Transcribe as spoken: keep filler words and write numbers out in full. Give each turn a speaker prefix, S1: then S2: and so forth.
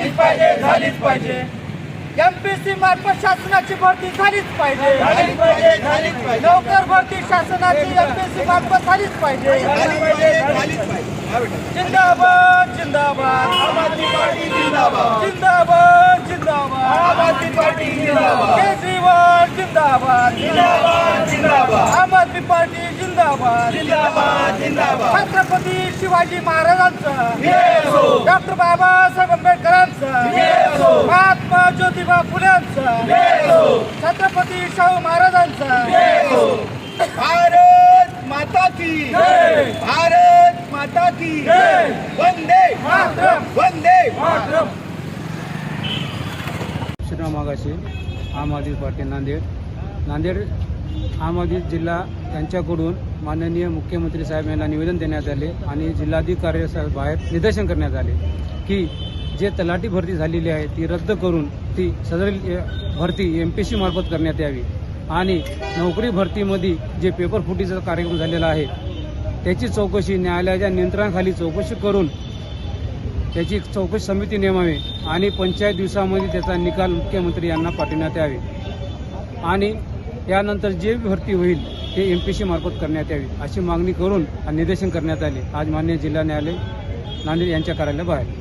S1: झालीच पाहिजे झालीच पाहिजे एमपीएससी मार्फत शासनाची भरती झालीच पाहिजे
S2: झालीच पाहिजे झालीच पाहिजे
S1: नोकर भरती शासनाची एमपीएससी मार्फत झालीच पाहिजे
S2: झालीच पाहिजे झालीच पाहिजे हा बेटा.
S1: जिंदाबाद जिंदाबाद
S2: आम आदमी पार्टी जिंदाबाद
S1: जिंदाबाद जिंदाबाद
S2: आम आदमी पार्टी जिंदाबाद
S1: केजरीवाल जिंदाबाद
S2: जिंदाबाद जिंदाबाद
S1: आम आदमी पार्टी जिंदाबाद
S2: जिंदाबाद जिंदाबाद
S1: छत्रपती शिवाजी महाराजांचा
S2: जय हो.
S1: डॉक्टर बाबासाहेब आंबेडकरांचा
S2: जय हो.
S1: महात्मा ज्योतिबा फुल्यांचा
S2: जय हो.
S1: छत्रपती शाहू महाराजांचा
S2: जय हो. भारत माता की
S1: जय.
S2: भारत माता की
S1: जय.
S2: वंदे
S1: मातरम.
S2: वंदे
S3: श्रीराम आगाशे आम आदमी पार्टी नांदेड नांदेड आम आदमी जिल्हा यांच्याकडून माननीय मुख्यमंत्री साहेब यांना निवेदन देण्यात आले आणि जिल्हाधिकारी बाहेर निदर्शन करण्यात आले की जे तलाठी भरती झालेली आहे ती रद्द करून ती सदर भरती एम पी एस सी मार्फत करण्यात यावी आणि नोकरी भरतीमध्ये जे पेपर फुटीचा कार्यक्रम झालेला आहे त्याची चौकशी न्यायालयाच्या नियंत्रणाखाली चौकशी करून त्याची चौकशी समिती नेमावी आणि पंचायत दिवसामध्ये त्याचा निकाल मुख्यमंत्री यांना पाठवण्यात यावे आणि यानंतर जे भरती होईल ते एम पी सी मार्फत करण्यात यावी अशी मागणी करून निदर्शन करण्यात आले आज माननीय जिल्हा न्यायालय नांदेड यांच्या कार्यालयाबाहेर.